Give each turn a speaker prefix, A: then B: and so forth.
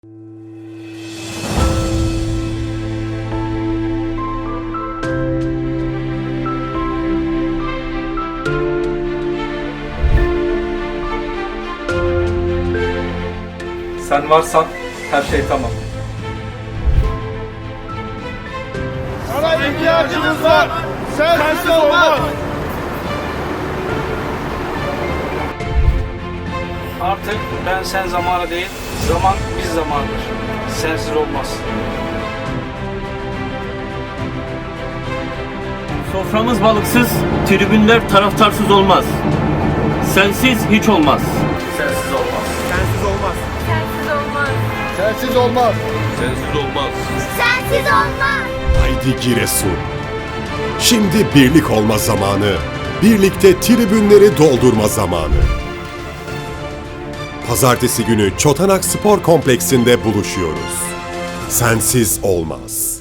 A: Sen varsan her şey tamam.
B: Sana ihtiyacımız var. Sensiz olmaz.
C: Artık ben sen zamanı değil, zaman biz zamandır. Sensiz olmaz.
D: Soframız balıksız, tribünler taraftarsız olmaz. Sensiz hiç olmaz.
C: Sensiz olmaz.
B: Sensiz olmaz.
E: Sensiz olmaz.
B: Sensiz olmaz.
E: Sensiz olmaz.
F: Haydi Giresun. Şimdi birlik olma zamanı. Birlikte tribünleri doldurma zamanı. Pazartesi günü Çotanak Spor Kompleksinde buluşuyoruz. Sensiz olmaz.